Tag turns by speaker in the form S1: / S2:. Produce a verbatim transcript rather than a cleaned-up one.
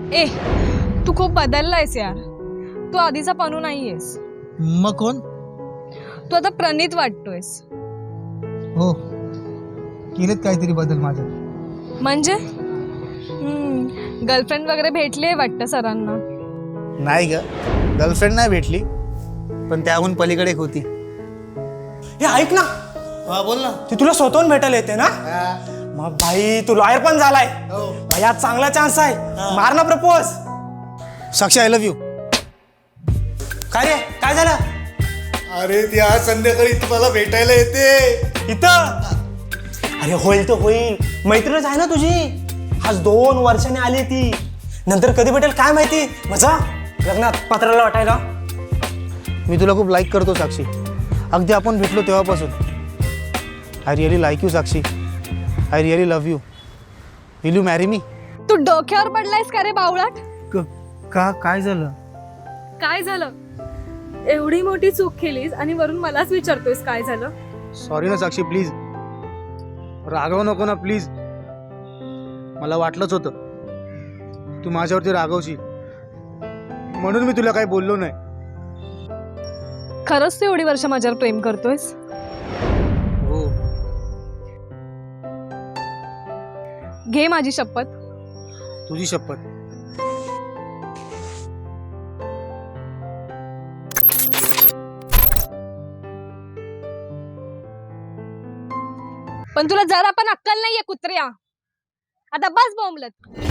S1: ए तू खूप बदललायस यार. तू आधीचा पनू नाहीयेस.
S2: मग कोण?
S1: तू आता प्रणित वाटतोयस.
S2: हो, केलेत काहीतरी बदल माझ्यात.
S1: म्हणजे गर्लफ्रेंड वगैरे भेटले वाटतं सरांना.
S2: नाही ग, गर्लफ्रेंड नाही भेटली, पण त्याहून पलीकडे एक होती.
S3: हे ऐक ना,
S2: हा बोल ना.
S3: ती तुला स्वतःहून भेटायला येते ना? मग भाई तू लॉयर पण झालाय. भाई आज चांगला चान्स आहे, मार ना propose.
S2: Sakshi, I love you.
S3: काय रे, काय झालं?
S4: अरे ती आज संध्याकाळी तुम्हाला भेटायला येते
S3: इथं. अरे होईल तर होईल, मैत्रीणच आहे ना तुझी. आज दोन वर्षाने आली ती, नंतर कधी भेटेल काय माहिती. मजा लग्नात पत्राला वाटायला.
S2: मी तुला खूप लाईक करतो साक्षी, अगदी आपण भेटलो तेव्हापासून. I really like you Sakshi. I really love you. Will you marry me?
S1: तू डोक्यावर पडलायस का रे बावळाट?
S2: का काय झालं?
S1: काय झालं? एवढी मोठी चूक केलीस आणि वरून मलाच विचारतोयस काय झालं?
S2: सॉरी ना साक्षी, प्लीज रागव नको ना प्लीज. मला वाटलंच होतं तू माझ्यावरती रागवशील, म्हणून मी तुला काही बोललो नाही.
S1: खरंच तू एवढी वर्ष माझ्यावर प्रेम करतोयस?
S2: हो.
S1: घे माझी शपथ.
S2: तुझी शपथ.
S1: पण तुला जरा पण अक्कल नाहीये कुत्र्या. आता बस बोंबलत.